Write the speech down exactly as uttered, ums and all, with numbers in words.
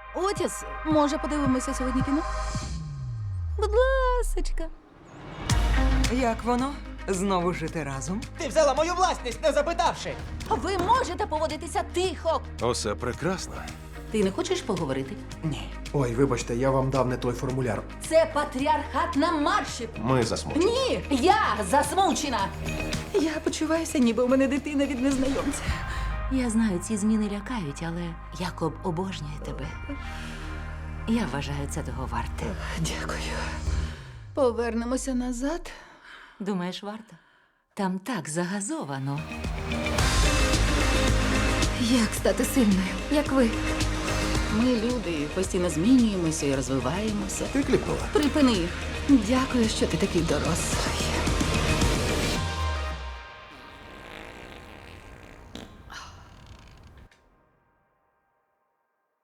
Отіс, може, подивимося сьогодні кіно? Будь ласочка. Як воно? Знову жити разом? Ти взяла мою власність, не запитавши. Ви можете поводитися тихо. Усе прекрасно. Ти не хочеш поговорити? Ні. Ой, вибачте, я вам дав не той формуляр. Це патріархат на марші. Ми засмучені. Ні, я засмучена. Я почуваюся, ніби у мене дитина від незнайомця. Я знаю, ці зміни лякають, але Якоб обожнює тебе. Я вважаю, це того варте. Дякую. Повернемося назад. Думаєш, варто? Там так загазовано. Як стати сильною, як ви? Ми люди, постійно змінюємося і розвиваємося. Ти кліпнула. Припини. Дякую, що ти такий дорослий.